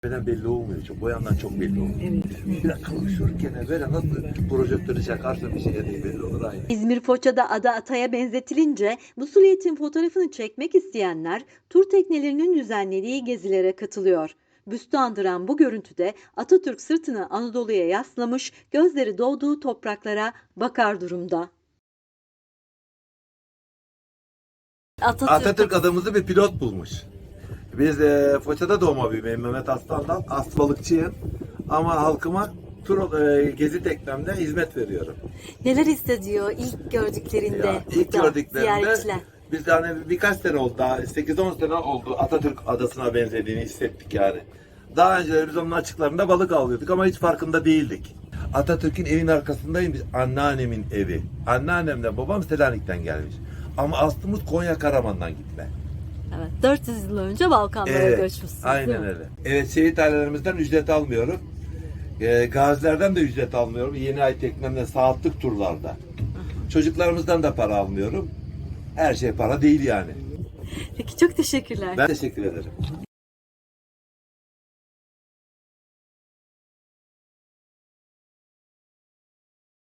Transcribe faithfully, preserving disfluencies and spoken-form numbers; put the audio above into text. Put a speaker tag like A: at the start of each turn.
A: Beden belli olmuyor çok. O yandan çok belli olmuyor.
B: Evet.
A: Biraz konuşurken böyle nasıl projektörü çakarsın bir şeye değil belli olur aynı.
B: İzmir Foça'da ada ataya benzetilince bu silüetin fotoğrafını çekmek isteyenler tur teknelerinin düzenlediği gezilere katılıyor. Büstü andıran bu görüntüde Atatürk sırtını Anadolu'ya yaslamış, gözleri doğduğu topraklara bakar durumda. Atatürk,
A: Atatürk adamızı bir pilot bulmuş. Biz e, Foça'da doğma büyümeyim Mehmet Aslan'dan. Aslı balıkçıyım. Ama halkıma tur e, gezi teknemde hizmet veriyorum.
B: neler hissediyor ilk gördüklerinde
A: Ya, ilk
B: burada
A: gördüklerinde
B: ziyaretçiler?
A: biz de hani birkaç sene oldu daha sekiz on sene oldu Atatürk adasına benzediğini hissettik yani. Daha önce biz onun açıklarında balık avlıyorduk ama hiç farkında değildik. Atatürk'ün evin arkasındayım biz. Anneannemin evi. Anneannemle babam Selanik'ten gelmiş. Ama aslımız Konya Karaman'dan gitme.
B: Evet, dört yüz yıl önce Balkanlara
A: Evet,
B: göçmüşsünüz, değil
A: aynen
B: mi?
A: öyle. Evet, şehit ailelerimizden ücret almıyorum. E, gazilerden de ücret almıyorum. Yeni ay teknemde saatlik turlarda. Çocuklarımızdan da para almıyorum. Her şey para değil yani.
B: Peki, çok teşekkürler.
A: Ben teşekkür ederim.